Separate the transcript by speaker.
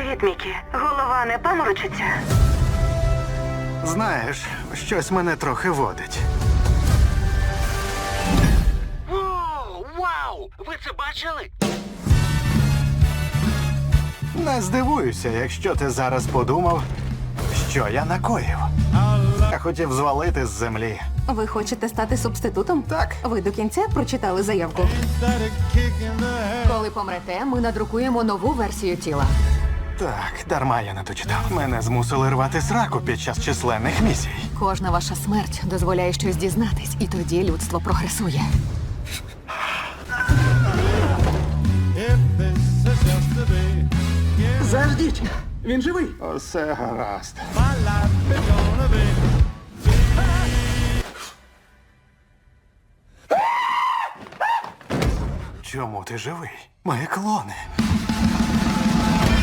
Speaker 1: Привіт, Мікі. Голова не паморочиться?
Speaker 2: Знаєш, щось мене трохи водить.
Speaker 3: Воу, вау! Ви це бачили?
Speaker 2: Не здивуюся, якщо ти зараз подумав, що я накоїв. Я хотів звалити з землі.
Speaker 4: Ви хочете стати субститутом?
Speaker 2: Так.
Speaker 4: Ви до кінця прочитали заявку. Коли помрете, ми надрукуємо нову версію тіла.
Speaker 2: Так, дарма я не дочитав. Мене змусили рвати сраку під час численних місій.
Speaker 4: Кожна ваша смерть дозволяє щось дізнатись, і тоді людство прогресує.
Speaker 5: Заждіть! Він живий!
Speaker 2: Усе гаразд. Чому ти живий? Мої клони.